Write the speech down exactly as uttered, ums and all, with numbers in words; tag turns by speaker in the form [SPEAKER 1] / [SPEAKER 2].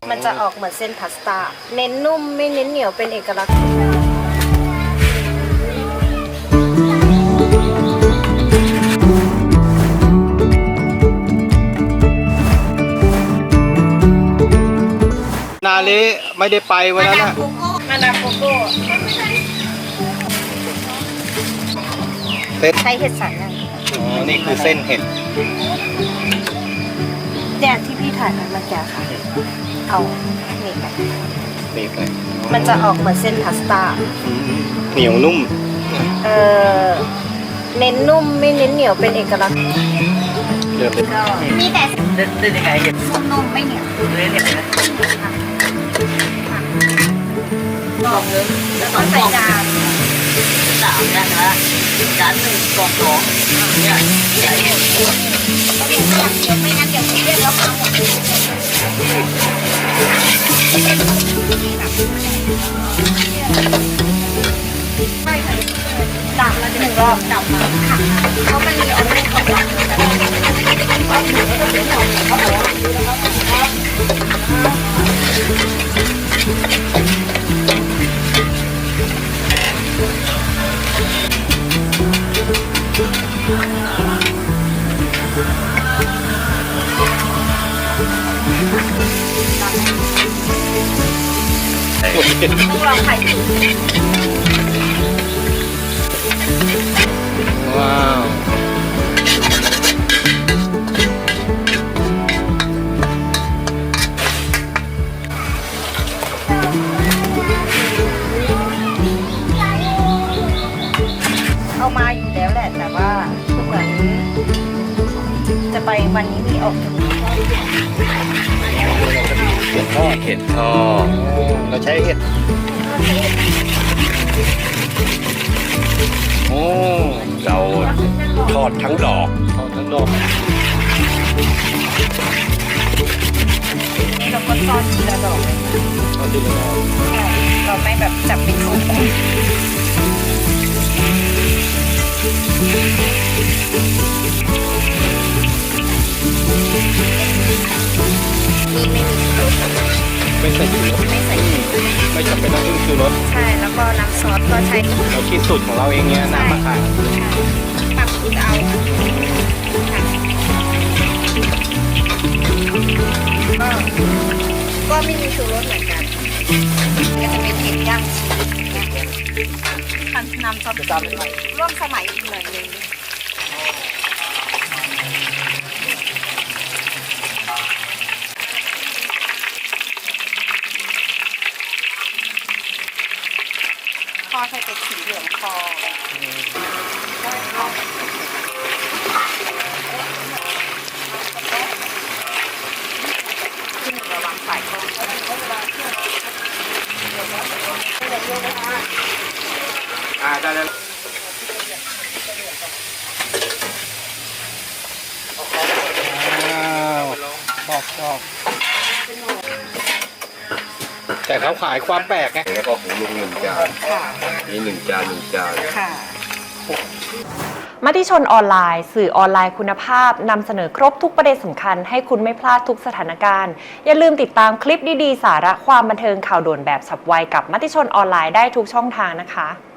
[SPEAKER 1] มันจะออกเหมือนเส้นพาสต้าเน้นนุ่มไม่เน้นเหนียวเป็นเอกลักษณ์
[SPEAKER 2] นาเละไม่ได้ไปวันนั้นนะ
[SPEAKER 1] มาดามโกโก้
[SPEAKER 2] เส้น
[SPEAKER 1] ใช้เห็ดสายนั่น
[SPEAKER 2] อ๋อนี่คือเส้นเห็ด
[SPEAKER 1] แดดที่พี่ถ่ายมันเมื่อกี้ค่ะเอาหนีบไป
[SPEAKER 2] หนีบไป
[SPEAKER 1] มันจะออกเหมือนเส้นพาสต้า
[SPEAKER 2] เหนียวนุ่ม
[SPEAKER 1] เออเน้นนุ่มไม่เน้นเหนียวเป็นเอกลักษณ์
[SPEAKER 2] เดือด
[SPEAKER 1] ก็มีแต่
[SPEAKER 3] เล่นยังไงเห็ด
[SPEAKER 1] นุ่มไม่เหนียว
[SPEAKER 3] เล่นเห็ดนะ
[SPEAKER 1] ลองเลยแล้วก็ใส่จาน
[SPEAKER 3] สามเนี่ยนะจานหนึ่งกล่องสองเนี่ยใหญ่หมด
[SPEAKER 1] ไม่งั้นเดี๋ยวเรียกแล้วพังหมดดับมาหนึ่งรอบดับมาค่ะเพราะมันมีออกเป็นของดับต้องลองไข่ตุ๋น
[SPEAKER 2] ว้าว
[SPEAKER 1] เอามาอยู่แล้วแหละแต่ว่าเหมือนจะไปวันนี้มีออกถึง
[SPEAKER 2] เห็ดทอดเห็ดทอดเราใช้เห็ดโอ้เราทอดทั้งดอกทอดทั้งดอก
[SPEAKER 1] นี่เราก็ทอดทีละดอกเลย
[SPEAKER 2] ทอดทีละดอก
[SPEAKER 1] ใช่เราไม่แบบจับเป็นคู่คู่
[SPEAKER 2] ไม่ใส่ชูรส
[SPEAKER 1] ไม่ใส่
[SPEAKER 2] ไม่จำเป็นต้องพึ่งชูรส
[SPEAKER 1] ใช่แล้วก็น้ำซอสก็ใช้
[SPEAKER 2] เราคิดสูตรของเราเองเนี้ยน้ำมะขาม
[SPEAKER 1] ปรับสูตรเอาก็ก็ไม่มีชูรสเหมือนกันก็จะเป็นเห็ดย่างคันน้ำซอสร่วมสมัยอีกหน่อยนึงคอใส่เป็นสีเหลืองคอที่หนึ่งระวังสายคอ
[SPEAKER 2] อ่าได้แล้วชอบชอบแต่เขาขายความแปลกไง
[SPEAKER 4] แล้วก็ของลุงหนึ่งจานนี่หนึ่งจานหนึ่งจาน
[SPEAKER 1] ค่ะ
[SPEAKER 5] มติชนออนไลน์สื่อออนไลน์คุณภาพนำเสนอครบทุกประเด็นสำคัญให้คุณไม่พลาดทุกสถานการณ์อย่าลืมติดตามคลิปดีๆสาระความบันเทิงข่าวด่วนแบบฉับไวกับมติชนออนไลน์ได้ทุกช่องทางนะคะ